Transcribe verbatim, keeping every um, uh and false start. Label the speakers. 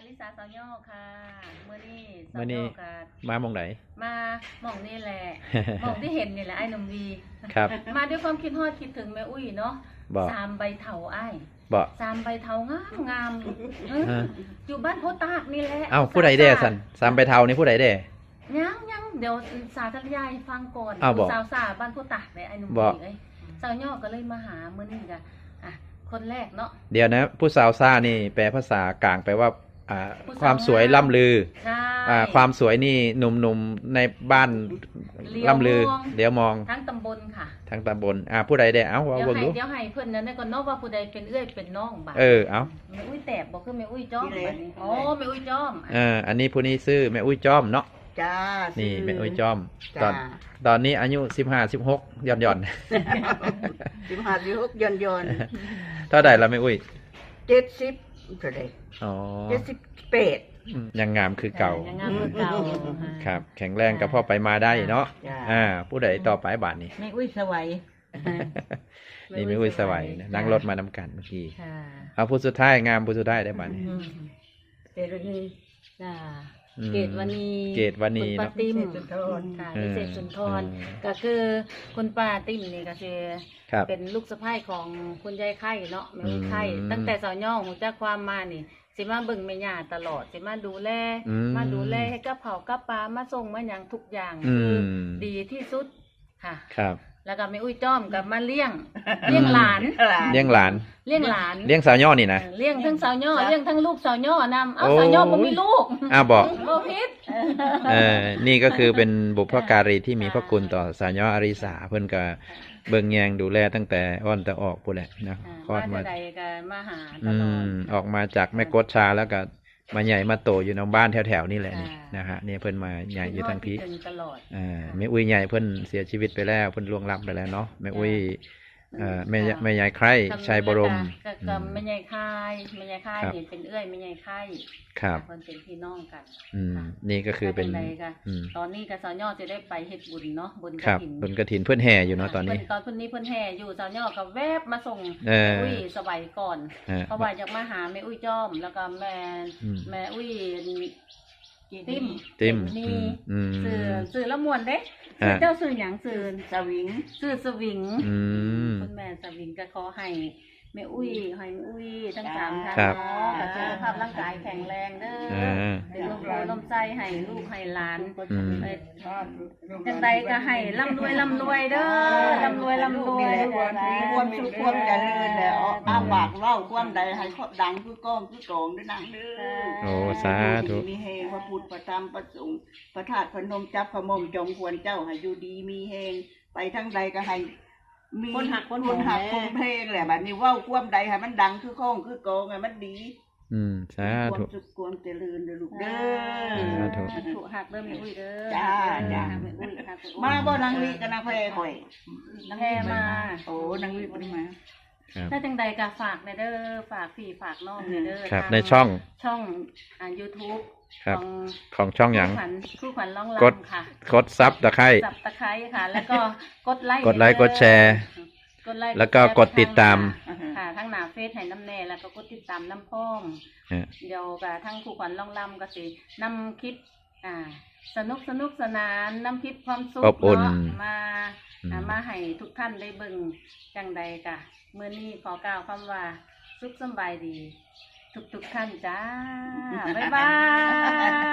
Speaker 1: ลิสาสาวย่อค่ะเมื่อนี้สา
Speaker 2: มื้
Speaker 1: ว
Speaker 2: อนี้
Speaker 1: ย่อค่ะ
Speaker 2: มาหม่องไหน
Speaker 1: มาหม่องนี่แหละ หม่องที่เห็นนี่แหละไอ้หนุ่มวี
Speaker 2: ครับ
Speaker 1: มาด้วยความคิดฮอดคิดถึงแม่อุ้ยเนาะ
Speaker 2: บ่
Speaker 1: สามใบเถาไอ้
Speaker 2: บ่
Speaker 1: สามใบเถางามงามเอ้ย
Speaker 2: ฮะ
Speaker 1: อยู่บ้านโพตากนี่แหละ
Speaker 2: เอ้าผู้ใดเด้สันสามใบเทานี่ผู้ใดเด้
Speaker 1: ยังยังเดี๋ยวสาธยายฟังก่อน
Speaker 2: อ้าวบ่
Speaker 1: สาวสาบ้านโพตากเลยไอ้หนุ่ม
Speaker 2: บ่
Speaker 1: วีเอ้ยสาวย่อก็เลยมาหาเมื่อนี้จ้ะอ่ะคนแรกเนาะ
Speaker 2: เดี๋ยวนะ ผู้สาวซ่านี่แปลภาษากลางแปลว่าอ่า
Speaker 1: ผู้สาว
Speaker 2: ความสวยล่ำลือ
Speaker 1: ใช่
Speaker 2: อ่าความสวยนี่หนุ่มๆในบ้าน
Speaker 1: เลี้ยว
Speaker 2: ล่ำลือ
Speaker 1: มอง
Speaker 2: เดี๋ยวมอง
Speaker 1: ทั้งตำบลค่ะ
Speaker 2: ทางตำบลอ่าผู้ใดได้เอ้าว่า
Speaker 1: เดี๋ยว
Speaker 2: เบิ่ง
Speaker 1: ให้
Speaker 2: ดู
Speaker 1: เดี๋ยวให้เพื่อนนั้นได้ก่อนเนาะว่าผู้ใดเป็นเอื้อยเป็นน้องบ้าง
Speaker 2: เออเอ้า
Speaker 1: แม่อุ้ยแตบบอกคือแม่อุ้ยจ้อมบัดนี้อ๋อแม่อุ้ยจ้อม
Speaker 2: เอออันนี้ผู้นี้ซื้อแม่อุ้ยจ้อมเนาะ
Speaker 3: จ้า
Speaker 2: นี่
Speaker 3: ซื้
Speaker 2: แม่อุ้ยจ้อม ตอ
Speaker 3: จ้าน
Speaker 2: ตอนนี้อายุสิบห้า สิบหกย่อนย่อน
Speaker 3: สิบห้าสิบหกยนยน
Speaker 2: ๆ เท่าใดละแม่อุ้ย
Speaker 3: เจ็ดสิบเท่าไหร่
Speaker 2: อ๋อ
Speaker 3: เจ็ดสิบแปด
Speaker 2: อืมยังงามคือเก่า
Speaker 1: ยังงามคือเก่า
Speaker 2: ครับ แข็งแรงกับพ่อไปมาได้เนาะ
Speaker 3: จ้า
Speaker 2: อ่า ผู้ใดต่อไปบาทนี้
Speaker 4: ไม่อุ้ยสวัย
Speaker 2: นี่ไม่อุ้ยสวัยนะนั่งรถมานำกันเมื่อกี้
Speaker 1: ค่ะ
Speaker 2: เอาผู้สุดท้ายงามผู้สุดท้ายได้บาทนี้
Speaker 1: อืม
Speaker 4: เจรุนี
Speaker 1: จ้า
Speaker 2: อืม
Speaker 1: เกตวันนี
Speaker 2: เกตวันนี
Speaker 1: คุณป้า
Speaker 2: เนาะ
Speaker 1: ติ้ม
Speaker 3: สุนทร
Speaker 1: ค่ะ
Speaker 2: เออ
Speaker 1: พิเศษสุนทร
Speaker 2: เออ
Speaker 1: ก็คือคุณป้าติ้มนี่ก็คือ
Speaker 2: ครับ
Speaker 1: เป็นลูกสะใภ้ของคุณยายไข่เนาะแม่อุ้ยไข่
Speaker 2: อืม
Speaker 1: ตั้งแต่สาวย่องหูจักความมานี่สิมาเบิ่งแม่ย่าตลอดสิมาดูแล
Speaker 2: อืม
Speaker 1: มาดูแลให้กับเผากับปลามาส่งมาอย่างทุกอย่าง
Speaker 2: อื
Speaker 1: คือ
Speaker 2: ม
Speaker 1: ดีที่สุดค่ะ
Speaker 2: ครับ
Speaker 1: แล้วก็แม่อุ้ยจ้อมกับมาเลี้ยง เลี้ยงหลาน
Speaker 2: เลี้ยงหลาน
Speaker 1: เลี้ยงหลาน
Speaker 2: เลี้ยงสาวย่อนี่นะ
Speaker 1: เออเลี้ยงทั้งสาวย่อ
Speaker 3: ครับ
Speaker 1: เลี้ยงทั้งลูกสาวย่อนำเอา
Speaker 2: โอ้
Speaker 1: สาวย่อบ่มีลูก
Speaker 2: อ้าวบอก
Speaker 1: โลพิษ
Speaker 2: เออนี่ก็คือเป็นบุพการีที่มีพระคุณต่อสาวย่ออาริสาเพิ่นก็เบิ่งแยงดูแลตั้งแต่อ้อนแต่ออกพู้นแหละนะคลอด
Speaker 1: มา
Speaker 2: มา
Speaker 1: ใดๆก็มาหาต
Speaker 2: อื
Speaker 1: ลอด
Speaker 2: มออกมาจากแม่กดชาแล้วก็มาใหญ่มาโตอยู่ในบ้านแถวๆนี่แหละนี่
Speaker 1: อ่าน
Speaker 2: นะฮะนี่เพิ่นมาใหญ่อยู่ทางพี
Speaker 1: คิดถึตลอด
Speaker 2: อ่าแม่อุ้ยใหญ่เพิ่นเสียชีวิตไปแล้วเพิ่นล่วงลับไปแล้วเนาะแม่อุ้ยเอ่อแม่ย
Speaker 1: ค่ะ
Speaker 2: แม่ยายใคร่ชัยบรม
Speaker 1: ก็
Speaker 2: อื
Speaker 1: ก็
Speaker 2: ม
Speaker 1: แม่ใหญ่ค่ายแม่ใหญ่ค่าย
Speaker 2: ครับ
Speaker 1: นี่เป็นเอื้อยแม่ใหญ่ค่าย
Speaker 2: ครับ
Speaker 1: เพิ่นเป็นพี่น้องกัน
Speaker 2: อืมนี่ก็คือเป็น
Speaker 1: ว่าจังใดก็
Speaker 2: อืม
Speaker 1: ตอนนี้ก็สาวย่อจะได้ไปเฮ็ดบุญเนาะบุญก
Speaker 2: ครับ
Speaker 1: ฐิน
Speaker 2: บนกระถินเพื่อนแห่อยู่เนาะตอนนี้
Speaker 1: เพิ่ตอนเพิ่นนี้เพิ่นแห่อยู่สาวย่อก็แวบมาส่ง
Speaker 2: เออ
Speaker 1: แม่อุ้ยสบายก่อน
Speaker 2: ฮะ
Speaker 1: เพราะว่าอยากมาหาแม่อุ้ยจ้อม แล้วก็แม่
Speaker 2: อืม
Speaker 1: แม่อุ้ยติ้ม
Speaker 2: ติ้ม
Speaker 1: นี่
Speaker 2: อืม
Speaker 1: สื่อ
Speaker 2: อืม
Speaker 1: สื่อละมวนเด้
Speaker 2: ฮะ
Speaker 1: สื่อเจ้าสื่อหยังสื่อ
Speaker 3: สวิง
Speaker 1: สื่อสวิง
Speaker 2: อืม
Speaker 1: คุณแม่สวิงก็ขอให้แม่อุ้ยให้แม่อุ้ยทั้งสามท่าน
Speaker 2: ครับ
Speaker 1: เนาะก็สุขภาพร่างกายแข็งแรงเด้อ
Speaker 2: อ่า
Speaker 1: เป็นลมโพลมใจให้ลูกให้หลาน
Speaker 2: อืม
Speaker 1: เอ้ยจังใดก็ให้ร่ำรวยร่ำรวยเด้อร่ำรวยร่ำรวย
Speaker 3: ความสุขความเจริญแล้วอ้าปากเว้าความใดให้ครอบดังคือก้องคือโกงด้วยนางเด้อ
Speaker 2: โอ้สาธุ
Speaker 3: มีเฮงพระพุทธพระธรรมพระสงฆ์พระธาตุพนมจับพระมมจงควรเจ้าให้อยู่ดีมีเฮงไปทั้งใดก็ให้มี
Speaker 4: คนหักคน
Speaker 3: คนหัก
Speaker 4: แห
Speaker 3: คนเพลงแหละบัดนี้เว้าความใดให้มันดังคือข้องคือโกงให้มันดี
Speaker 2: อืมสา
Speaker 3: ควา
Speaker 2: ธุ
Speaker 3: มสุขความเจริญเด้อลูกเด้
Speaker 2: สาธุ
Speaker 3: อ
Speaker 1: ถูกหักเริ่มแม่อุ้ยเด้อ
Speaker 3: จ้าจ้า
Speaker 1: หักแม่อุ้ยหักแอุ้ย
Speaker 3: มาบ่นางลีกับนางแพรข่อย
Speaker 1: แพ่มา
Speaker 3: โอ้นางลีบ่ได้มา
Speaker 2: ครับ
Speaker 1: ถ้าจังใดก็ฝากในเด้อฝากพี่ฝากน้องในเด้อ
Speaker 2: ครับ
Speaker 1: ทาง
Speaker 2: ในช่อง
Speaker 1: ช่องอ่า YouTube
Speaker 2: ครับ
Speaker 1: ของ
Speaker 2: ของช่องหยัง
Speaker 1: คู่ขวัญคู่ขวัญร้อง
Speaker 2: กด
Speaker 1: รำค่ะ
Speaker 2: กดซับตะไคร้
Speaker 1: สับตะไคร้ค่ะ แล้วก็กดไลค์
Speaker 2: กดไลค์กดแชร์
Speaker 1: กดไลค์
Speaker 2: แล้วก็กดติดตาม
Speaker 1: ค่ะทั้งหน้าเฟซให้น้ำแน่แล้วก็กดติดตามน้ำพ่อม
Speaker 2: ฮะ
Speaker 1: เดี๋ยวกับทั้งคู่ขวัญร้องรำก็สินำคลิปอ่า สนุกสนุกสนานนำคลิปความสุข
Speaker 2: อบอุ่น
Speaker 1: เนาะมา
Speaker 2: อืม
Speaker 1: อ่ามาให้ทุกท่านได้เบิ่งจังใดกะเมื่อนี้ขอกล่าวคำว่าสุขสำบายดี ทุกทุกๆท่านจ้า บ๊ายบาย